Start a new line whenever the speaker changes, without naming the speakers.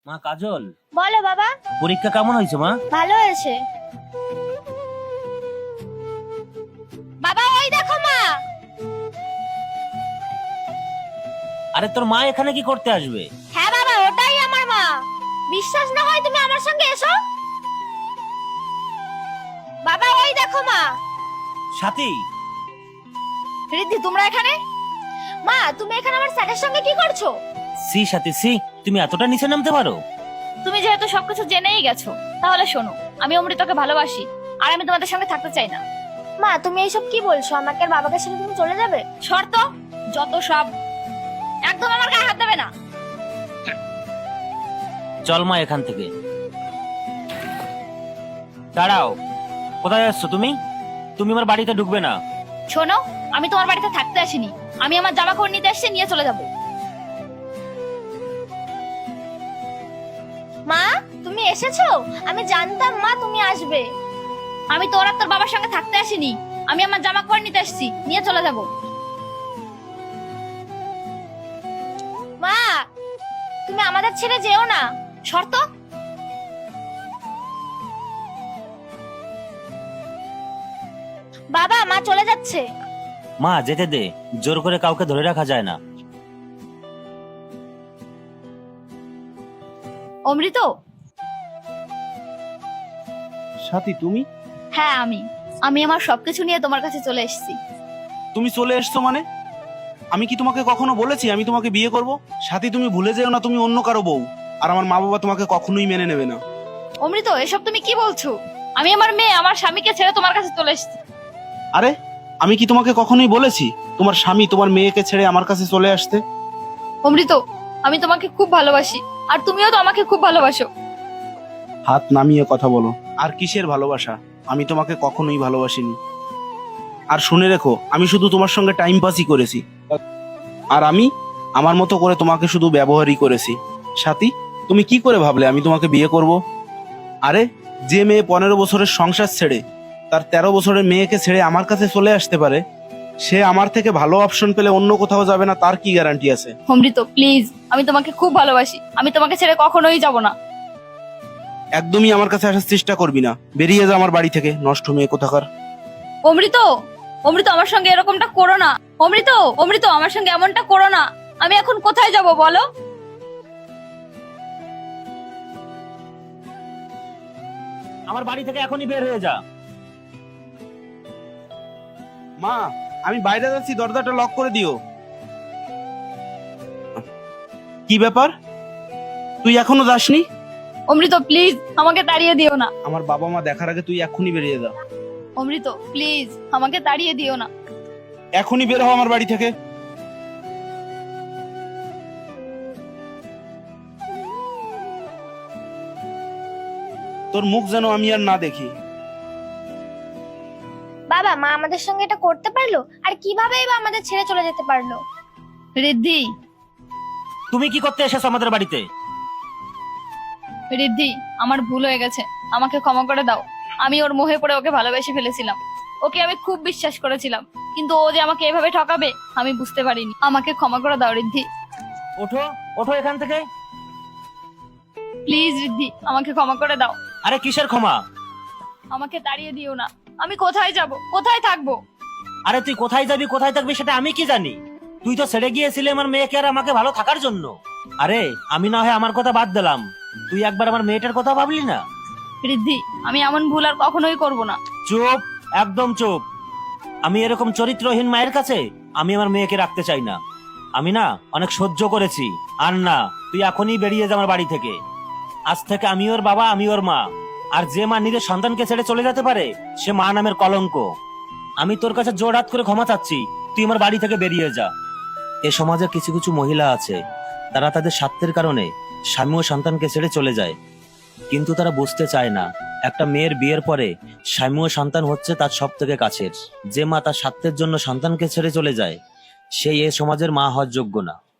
মা কাজল,
বলো বাবা।
পরীক্ষা কেমন হয়েছে মা?
ভালো হয়েছে বাবা। ওই দেখো মা।
আরে তোর মা এখানে কি করতে আসবে?
হ্যাঁ বাবা, ওটাই আমার মা। বিশ্বাস না হয় তুমি আমার সঙ্গে এসো। বাবা ওই দেখো মা।
সাথী,
রিদ্ধি তোমরা এখানে? মা তুমি এখানে আমার স্যারের সঙ্গে কি করছো?
সি সাথী সি, তুমি এতটা নিচে নামতে পারো?
তুমি যেহেতু সবকিছু জেনেই গেছো, তাহলে শোনো, আমি অমৃতকে ভালোবাসি আর আমি তোমাদের সঙ্গে থাকতে চাই না।
মা তুমি এইসব কি বলছো? আমাকে আর বাবাকে ছেড়ে তুমি চলে যাবে?
শর্ত যত সব, একদম আমার গায়ে হাত দেবে না।
চল মা এখান থেকে। দাঁড়াও, কোথায় যাচ্ছ তুমি? তুমি আমার বাড়িতে ঢুকবে না।
শোনো, আমি তোমার বাড়িতে থাকতে আসিনি, আমি আমার জামা কাপড় নিতে এসে নিয়ে চলে যাব।
মা তুমি এসেছো? আমি জানতাম মা তুমি আসবে।
আমি তোর আর তোর বাবার সঙ্গে থাকতে আসিনি, আমি আমার জামা কাপড় নিতে এসেছি, নিয়ে চলে যাব।
মা তুমি আমাদের ছেড়ে যেও না।
শর্ত?
বাবা মা চলে যাচ্ছে।
মা যেতে দে, জোর করে কাউকে ধরে রাখা যায় না।
অমৃত।
সাথী তুমি?
হ্যাঁ আমি আমার সবকিছু নিয়ে তোমার কাছে চলে এসেছি।
তুমি চলে এসছো মানে? আমি কি তোমাকে কখনো বলেছি আমি তোমাকে বিয়ে করব? সাথী তুমি ভুলে যেও না তুমি অন্য কারো বউ, আর আমার মা বাবা তোমাকে কখনোই মেনে নেবে না।
অমৃত এসব তুমি কি বলছো? আমি আমার মেয়ে, আমার স্বামীকে ছেড়ে তোমার কাছে চলে এসেছি।
আরে আমি কি তোমাকে কখনোই বলেছি তোমার স্বামী তোমার মেয়েকে ছেড়ে আমার কাছে চলে আসতে?
অমৃত, আমি তোমাকে খুব ভালোবাসি আর তুমিও তো আমাকে খুব ভালোবাসো।
হাত নামিয়ে কথা বলো। আর কিসের ভালোবাসা? আমি তোমাকে কখনোই ভালোবাসিনি। আর শুনে রেখো, আমি শুধু তোমার সঙ্গে টাইম পাসই করেছি, আর আমি আমার মতো করে তোমাকে শুধু ব্যবহারই করেছি। সাথী তুমি কি করে ভাবলে আমি তোমাকে বিয়ে করব? আরে যে মেয়ে 15 বছরের সংসার ছেড়ে তার 13 বছরের মেয়েকে ছেড়ে আমার কাছে চলে আসতে পারে, সে আমার থেকে ভালো অপশন পেলে অন্য কোথাও যাবে না তার কি গ্যারান্টি আছে?
অমৃত প্লিজ, আমি তোমাকে খুব ভালোবাসি, আমি তোমাকে ছেড়ে কখনোই যাব না।
একদমই আমার কাছে আসার চেষ্টা করবি না, বেরিয়ে যা আমার বাড়ি থেকে, নষ্ট মেয়ে কোথাকার।
অমৃত, অমৃত আমার সঙ্গে এরকমটা করো না। অমৃত, অমৃত আমার সঙ্গে এমনটা করো না। আমি এখন কোথায় যাব বলো?
আমার বাড়ি থেকে এখনই বের হয়ে যা।
মা আমি বাইরে যাচ্ছি, দরজাটা লক করে দিও। কি ব্যাপার, তুই এখনো যাসনি?
অমৃত প্লিজ, আমাকে তাড়িয়ে দিও না।
আমার বাবা মা দেখার আগে তুই এখনই বেরিয়ে যা।
অমৃত প্লিজ, আমাকে তাড়িয়ে দিও না।
এখনই বের হও আমার বাড়ি থেকে। তোর মুখ যেন আমি আর না দেখি।
বাবা মা আমাদের সঙ্গে এটা করতে পারলো, আর কিভাবেই বা আমাদের ছেড়ে চলে যেতে পারলো?
রিদ্ধি,
তুমি কি করতে এসেছো আমাদের বাড়িতে?
রিদ্ধি আমার ভুল হয়ে গেছে, আমাকে ক্ষমা করে দাও। আমি ওর মোহে পড়ে ওকে ভালোবেসে ফেলেছিলাম, ওকে আমি খুব বিশ্বাস করেছিলাম, কিন্তু ও যে আমাকে এভাবে ঠকাবে আমি বুঝতে পারিনি। আমাকে ক্ষমা করে দাও রিদ্ধি।
ওঠো, ওঠো এখান থেকে।
প্লিজ রিদ্ধি, আমাকে ক্ষমা করে দাও।
আরে কিসের ক্ষমা?
আমাকে তাড়িয়ে দিও না। আমি কোথায় যাব, কোথায় থাকবো?
আরে তুই কোথায় যাবি কোথায় থাকবি সেটা আমি কি জানি? তুই তো ছেড়ে গিয়েছিলি আমার মেয়েকে আর আমাকে ভালো থাকার জন্য। আরে আমি না হয় আমার কথা বাদ দিলাম, তুই একবার আমার মেয়েটার কথা ভাবলি না?
রিদ্ধি আমি এমন ভুল আর কখনোই করব না।
চুপ, একদম চুপ। আমি এরকম চরিত্রহীন মায়ের কাছে আমি আমার মেয়েকে রাখতে চাই না। আমি না অনেক সহ্য করেছি, আর না, তুই এখনই বেরিয়ে যা আমার বাড়ি থেকে। আজ থেকে আমি ওর বাবা, আমি ওর মা। আর যে মা নিজের সন্তানকে ছেড়ে চলে যেতে পারে সে মা নামের কলঙ্ক। আমি তোর কাছে জোর হাত করে ক্ষমা চাচ্ছি, তুই আমার বাড়ি থেকে বেরিয়ে যা। এ সমাজে কিছু কিছু মহিলা আছে, তারা তাদের স্বার্থের কারণে স্বামী ও সন্তানকে ছেড়ে চলে যায়, কিন্তু তারা বুঝতে চায় না একটা মেয়ের বিয়ের পরে স্বামী ও সন্তান হচ্ছে তার সব থেকে কাছের। যে মা তার স্বার্থের জন্য সন্তানকে ছেড়ে চলে যায়, সেই এ সমাজের মা হওয়ার যোগ্য না।